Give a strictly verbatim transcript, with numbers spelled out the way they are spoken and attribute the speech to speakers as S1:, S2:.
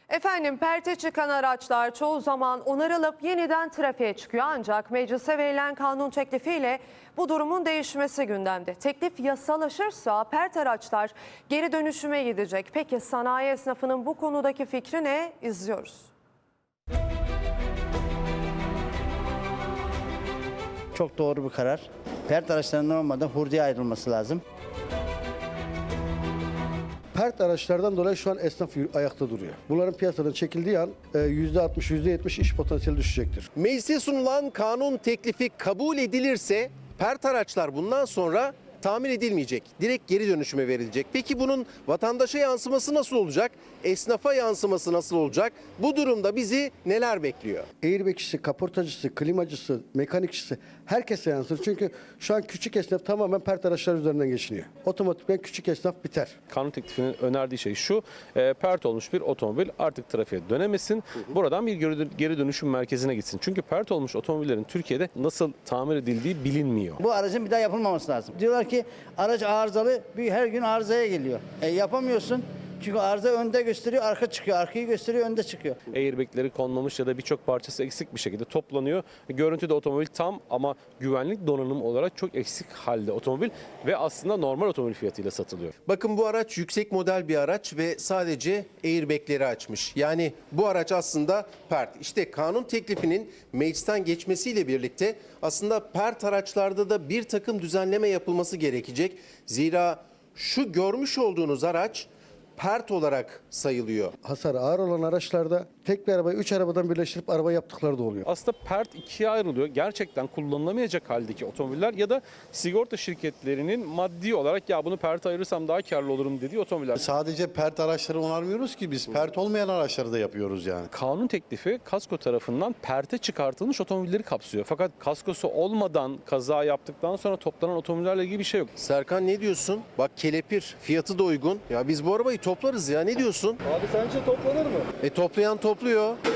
S1: Efendim perte çıkan araçlar çoğu zaman onarılıp yeniden trafiğe çıkıyor. Ancak meclise verilen kanun teklifiyle bu durumun değişmesi gündemde. Teklif yasalaşırsa pert araçlar geri dönüşüme gidecek. Peki sanayi esnafının bu konudaki fikri ne? İzliyoruz.
S2: Çok doğru bir karar. Pert araçlarının olmadan hurdaya ayrılması lazım.
S3: Pert araçlardan dolayı şu an esnaf ayakta duruyor. Bunların piyasadan çekildiği an yüzde altmış yüzde yetmiş iş potansiyeli düşecektir.
S4: Meclise sunulan kanun teklifi kabul edilirse pert araçlar bundan sonra tamir edilmeyecek. Direkt geri dönüşüme verilecek. Peki bunun vatandaşa yansıması nasıl olacak? Esnafa yansıması nasıl olacak? Bu durumda bizi neler bekliyor?
S3: Airbag'çisi, kaportacısı, klimacısı, mekanikçisi herkese yansır. Çünkü şu an küçük esnaf tamamen pert araçlar üzerinden geçiniyor. Otomatikman küçük esnaf biter.
S5: Kanun teklifinin önerdiği şey şu, e, pert olmuş bir otomobil artık trafiğe dönemesin, buradan bir geri dönüşüm merkezine gitsin. Çünkü pert olmuş otomobillerin Türkiye'de nasıl tamir edildiği bilinmiyor.
S2: Bu aracın bir daha yapılmaması lazım. Diyorlar ki araç arızalı, bir her gün arızaya geliyor. E, yapamıyorsun. Çünkü arıza önde gösteriyor, arka çıkıyor. Arkayı gösteriyor, önde çıkıyor.
S5: Airbag'leri konmamış ya da birçok parçası eksik bir şekilde toplanıyor. Görüntüde otomobil tam ama güvenlik donanım olarak çok eksik halde otomobil ve aslında normal otomobil fiyatıyla satılıyor.
S4: Bakın bu araç yüksek model bir araç ve sadece airbag'leri açmış. Yani bu araç aslında pert. İşte kanun teklifinin meclisten geçmesiyle birlikte aslında pert araçlarda da bir takım düzenleme yapılması gerekecek. Zira şu görmüş olduğunuz araç pert olarak sayılıyor.
S3: Hasarı ağır olan araçlarda tek bir arabayı üç arabadan birleştirip araba yaptıkları da oluyor.
S5: Aslında pert ikiye ayrılıyor. Gerçekten kullanılamayacak haldeki otomobiller ya da sigorta şirketlerinin maddi olarak ya bunu pert ayırırsam daha karlı olurum dediği otomobiller.
S6: Sadece pert araçları onarmıyoruz ki biz pert olmayan araçları da yapıyoruz yani.
S5: Kanun teklifi kasko tarafından perte çıkartılmış otomobilleri kapsıyor. Fakat kaskosu olmadan kaza yaptıktan sonra toplanan otomobillerle ilgili bir şey yok.
S4: Serkan ne diyorsun? Bak kelepir, fiyatı da uygun. Ya biz bu arabayı toplarız ya, ne diyorsun?
S3: Abi sence toplanır mı?
S4: E toplayan topluyor.